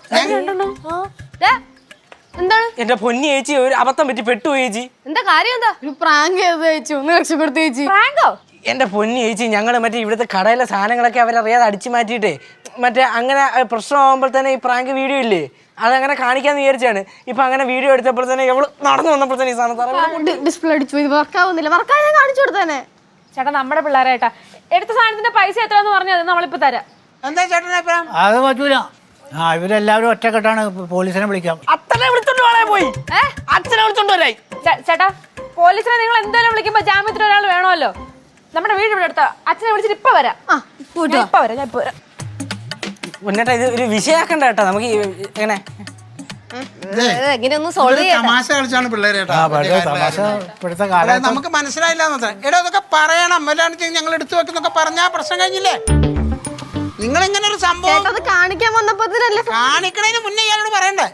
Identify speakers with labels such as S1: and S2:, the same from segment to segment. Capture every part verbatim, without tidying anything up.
S1: എന്താണ്
S2: എന്റെ പൊന്നി ചേച്ചി ഒരു അബദ്ധം പറ്റി പെട്ടു ചേച്ചി.
S1: എന്താ കാര്യം? എന്താ
S3: പ്രാങ്ക് ചെയ്ത് ചേച്ചി ഒന്ന് രക്ഷപ്പെടുത്തി ചേച്ചി.
S1: പ്രാങ്കോ?
S2: എന്റെ പൊന്നി ചേച്ചി ഞങ്ങള് മറ്റേ ഇവിടുത്തെ കടയിലെ സാധനങ്ങളൊക്കെ അവരറിയാതെ അടിച്ചു മാറ്റിയിട്ടേ മറ്റേ അങ്ങനെ പ്രശ്നമാകുമ്പോൾ തന്നെ ഈ പ്രാങ്ക് വീഡിയോ ഇല്ലേ അതങ്ങനെ കാണിക്കാന്ന് വിചാരിച്ചാണ്. ഇപ്പൊ അങ്ങനെ വീഡിയോ എടുത്തപ്പോൾ തന്നെ എവള് നടന്നു വന്നപ്പോൾ തന്നെ ഈ സാധനം
S3: ഡിസ്പ്ലേ അടിച്ചു പോയി വർക്കാവുന്നില്ല. വർക്കാ ഞാൻ കാണിച്ചു കൊടുത്തേനെ.
S1: ചേട്ടാ നമ്മുടെ പിള്ളേരായിട്ടാ എടുത്ത സാധനത്തിന്റെ പൈസ എത്രയാന്ന് പറഞ്ഞത് നമ്മളിപ്പോ തരാം.
S4: എന്താ ചേട്ടനെ
S5: അത് പറ്റൂല. ആ ഇവരെല്ലാവരും ഒറ്റക്കെട്ടാണ് പോലീസിനെ വിളിക്കാം.
S2: അച്ഛനെ വിളിച്ചോണ്ട് പോളെ പോയി അച്ഛനെ വിളിച്ചോണ്ട് വരായി.
S1: ചേട്ടാ പോലീസിനെ നിങ്ങൾ എന്തായാലും വിളിക്കുമ്പോ ജാമ്യത്തിന് ഒരാൾ വേണമല്ലോ. നമ്മുടെ വീട് ഇവിടെ അടുത്ത അച്ഛനെ വിളിച്ചിട്ട് ഇപ്പൊ വരാം. ഇപ്പൊ വരാം ഞാൻ ഇപ്പൊ വരാം.
S2: മുന്നേട്ടാ ഇത് ഒരു വിഷയാക്കണ്ട കേട്ടോ. നമുക്ക് എങ്ങനെ
S1: എങ്ങനെയൊന്നും സോൾവ് ചെയ്യാം.
S4: തമാശ കളിച്ചാണ് പിള്ളേരേട്ടാ. നമുക്ക് മനസ്സിലായില്ല. എടാ അതൊക്കെ പറയണം. അല്ലാണ്ട് ഞങ്ങൾ എടുത്തു വെക്കുന്നൊക്കെ പറഞ്ഞാ പ്രശ്നം കഴിഞ്ഞില്ലേ? നിങ്ങൾ ഇങ്ങനെ ഒരു സംഭവം
S3: കാണിക്കാൻ വന്നപ്പോ
S4: കാണിക്കണതിന് മുന്നേ ഇയാളോട് പറയണ്ടേ?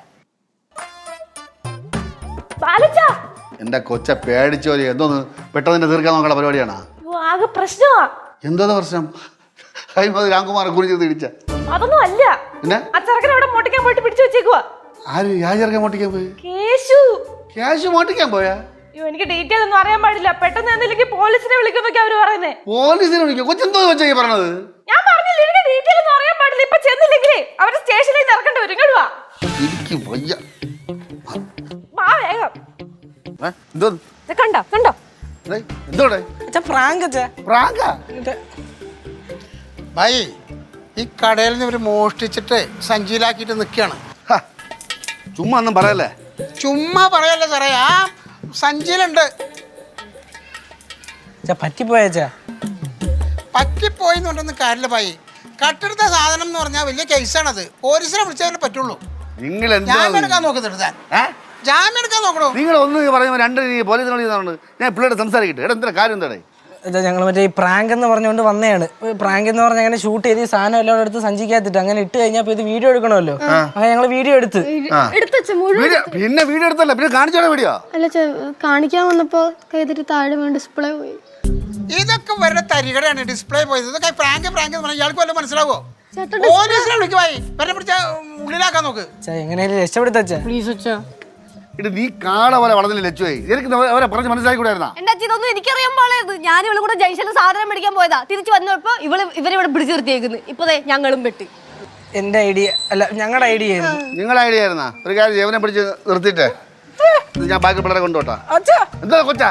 S6: എന്റെ കൊച്ച പേടിച്ചോരി എന്തോന്ന് പെട്ടെന്ന് തീർക്കാൻ നോക്കണ പരിപാടിയാണ്.
S1: ആകെ പ്രശ്നമാ.
S6: എന്തോന്ന് പ്രശ്നം? രാംകുമാർ കുറിച്ച് തിരിച്ച
S1: അതൊന്നും അല്ല. അച്ചറക്കനെ ഇവിടെ മോട്ടിക്കാൻ പോയിട്ട് പിടിച്ചു വെച്ചേക്കുവാ.
S6: ആര് യാചർക്കാൻ മോട്ടിക്കാൻ പോയി?
S1: കേശു.
S6: കേശു മോട്ടിക്കാൻ പോയാ?
S1: അയ്യോ എനിക്ക് ഡീറ്റെയിൽ ഒന്നും അറിയാൻ പാടില്ല. പെട്ടെന്ന് എന്തെങ്കിലും പോലീസിനെ വിളിക്കുന്നൊക്കെ അവര് പറയുന്നേ.
S6: പോലീസിനെ വിളിക്കും? കൊച്ചെന്തോ വെച്ചാ പറഞ്ഞത്?
S1: ഞാൻ പറഞ്ഞില്ല എനിക്ക് ഡീറ്റെയിൽ ഒന്നും അറിയാൻ പാടില്ല. ഇപ്പൊ ചെന്നില്ലെങ്കിലേ അവര് സ്റ്റേഷനിൽ ഇറക്കേണ്ടി വരും. ഇങ്ങോട്ട് വാ.
S6: എനിക്ക് വയ്യ.
S1: വാ വേഗം.
S6: എന്തോ
S1: കണ്ടോ കണ്ടോ
S6: എന്തോടെ
S2: പ്രാങ്ക്
S6: പ്രാങ്കാ?
S4: ഭായി ഈ കടയിൽ നിന്ന് ഇവര് മോഷ്ടിച്ചിട്ട് സഞ്ചിയിലാക്കിയിട്ട് നിൽക്കുകയാണ്.
S6: ചുമ്മാ ഒന്നും പറയല്ലേ.
S4: ചുമ്മാ പറയല്ലേ സാറേ. ആ സഞ്ചിയിലുണ്ട്.
S2: പറ്റിപ്പോയാച്ചാ
S4: പറ്റിപ്പോയി എന്ന് പറഞ്ഞൊന്നും കാര്യമില്ല ഭായി. കട്ടെടുത്ത സാധനം എന്ന് പറഞ്ഞാൽ വലിയ കേസാണത്. പോലീസിനെ വിളിച്ചാലേ പറ്റുള്ളൂ.
S6: നിങ്ങൾ
S4: ജാമ്യം എടുക്കാൻ നോക്കുന്നുണ്ട് താൻ. ജാമ്യം എടുക്കാൻ നോക്കണോ?
S6: നിങ്ങൾ ഒന്ന് പറയുമ്പോൾ രണ്ട് പോലീസിനെ വിളിക്കുന്നുണ്ട്. ഞാൻ പിള്ളേരുടെ സംസാരിക്കട്ടെ. എടാ എന്താ കാര്യം എന്താടേ?
S2: ഞങ്ങൾ മറ്റേ ഈ പ്രാങ്ക് എന്ന് പറഞ്ഞുകൊണ്ട് വന്നതാണ്. പ്രാങ്ക് എന്ന് പറഞ്ഞാൽ അങ്ങനെ ഷൂട്ട് ചെയ്ത് ഈ സാധനം എല്ലാം എടുത്ത് സഞ്ചിക്കാത്തിട്ട് അങ്ങനെ ഇട്ട് കഴിഞ്ഞാൽ ഇത് വീഡിയോ എടുക്കണമല്ലോ. അങ്ങനെ ഞങ്ങൾ വീഡിയോ എടുത്ത്
S6: പിന്നെ വീഡിയോ എടുത്തല്ല പിന്നെ കാണിച്ചോടെ വീഡിയോ
S3: അല്ല കാണിക്കാൻ വന്നപ്പോ കൈതിട്ട് താഴെ വീണ് ഡിസ്പ്ലേ പോയി.
S4: ഇതൊക്കെ വരുടെ തരികടയാണ്. ഡിസ്പ്ലേ പോയത്. ഇതൊക്കെ പ്രാങ്ക് പ്രാങ്ക് എന്ന് പറഞ്ഞാൽ ഇയാൾക്ക് വല്ലതും മനസ്സിലാവോ? പോലീസിനെ വിളിക്കുവായി വരെ പിടിച്ച ഉള്ളിലാക്കാൻ നോക്ക്.
S2: എങ്ങനെയാലും രക്ഷപ്പെടുത്തച്ചാ
S3: പ്ലീസ് അച്ഛാ.
S6: ഇത് നീ കാട പോലെ വളർന്നില്ല ലച്ചുവായി. എനിക്ക് അവരെ പറഞ്ഞ് മനസ്സിലാക്കിക്കൂടായിരുന്നാ?
S1: എന്റെ അച്ഛൻ ഇതൊന്നും എനിക്കറിയാൻ പാടില്ലായിരുന്നു. ഞാൻ ഇവളും കൂടെ ജംഗ്ഷനിൽ സാധനം മേടിക്കാൻ പോയതാ. തിരിച്ചു വന്നപ്പോ ഇവള് ഇവരിവിടെ പിടിച്ചു നിർത്തിയേക്കുന്നു. ഇപ്പൊ ഞങ്ങളും പെട്ടി.
S2: എന്റെ ഐഡിയ അല്ല ഞങ്ങളുടെ ഐഡിയ ആയിരുന്നു.
S6: നിങ്ങളുടെ ഐഡിയ ആയിരുന്നാ? ഒരു കാര്യം ജീവനെ പിടിച്ച് നിർത്തിയിട്ടേ ഞാൻ ബാക്കി പിള്ളേരെ കൊണ്ടുപോട്ടാ. എന്താ കൊച്ചാ?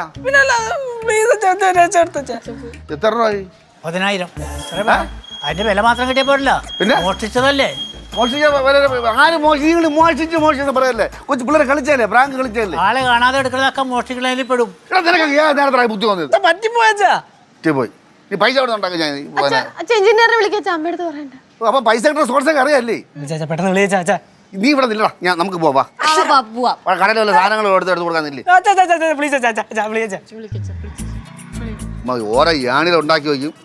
S6: എത്ര രൂപ?
S5: പതിനായിരം. അതിന്റെ വില മാത്രം കിട്ടിയ പോരല്ല. പിന്നെ മോഷ്ടിച്ചതല്ലേ?
S6: ആര് മോഷിച്ച് മോഷിച്ച് മോഷിച്ച് പറയല്ലേ? കൊച്ചു പിള്ളേരെ കളിച്ചല്ലേ? പ്രാങ്ക് കളിച്ചല്ലേ?
S5: ആളെ കാണാതെ എടുക്കുന്നതൊക്കെ മോഷ്ടിക്കുന്നതിൽ പെടും.
S6: നേരത്തെ ബുദ്ധി വന്നത് പോയി. നീ പൈസ അവിടെ ഉണ്ടാക്കി ഞാൻ
S3: എഞ്ചിനീയറെ വിളിക്കാൻ അമ്മയടുത്ത് പറയണ്ട.
S6: അപ്പൊ പൈസ കിട്ടുന്ന സോഴ്സൊക്കെ അറിയാല്ലേ?
S2: പെട്ടെന്ന് വിളിച്ചാ
S6: നീ ഇവിടെ നില്ലടാ. ഞാൻ നമുക്ക് പോവാ. കടയിൽ വല്ല സാധനങ്ങൾ എടുത്ത് എടുത്ത് കൊടുക്കാന്നില്ലേ? ഓരോ യാണിൽ ഉണ്ടാക്കി വയ്ക്കും.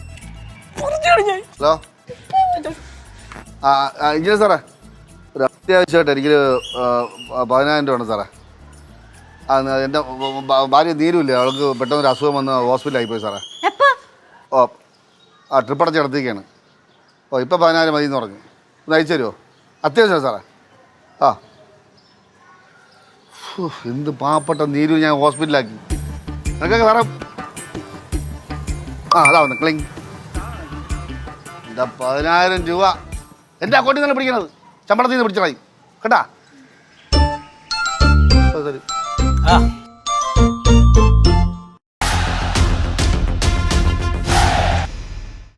S6: ഹലോ ആ ഇഞ്ചിനി സാറേ ഒരു അത്യാവശ്യമായിട്ട് എനിക്കൊരു പതിനായിരം രൂപ ഉണ്ട് സാറേ. ആ എൻ്റെ ഭാര്യ നീരുമില്ലേ അവൾക്ക് പെട്ടെന്നൊരു അസുഖം വന്ന് ഹോസ്പിറ്റലിൽ ആയിപ്പോയി സാറേ. ഓ ആ ട്രിപ്പ് അടച്ച് കിടത്തിക്കാണ്. ഓ ഇപ്പം പതിനായിരം മതി എന്ന് പറഞ്ഞു. ഒന്ന് അയച്ചു തരുമോ? അത്യാവശ്യമാണ് സാറേ. ആ എന്ത് പാവപ്പെട്ട നീരു ഞാൻ ഹോസ്പിറ്റലിലാക്കി. നിനക്കൊക്കെ സാറേ ആ അതാ വന്ന് ക്ലിങ് എന്താ പതിനായിരം രൂപ എൻ്റെ അക്കൗണ്ടിൽ നിന്നാണ് പിടിക്കണത്. ശമ്പളത്തിൽ നിന്ന് പിടിച്ചതായി കേട്ടാ. ശരി
S5: ആ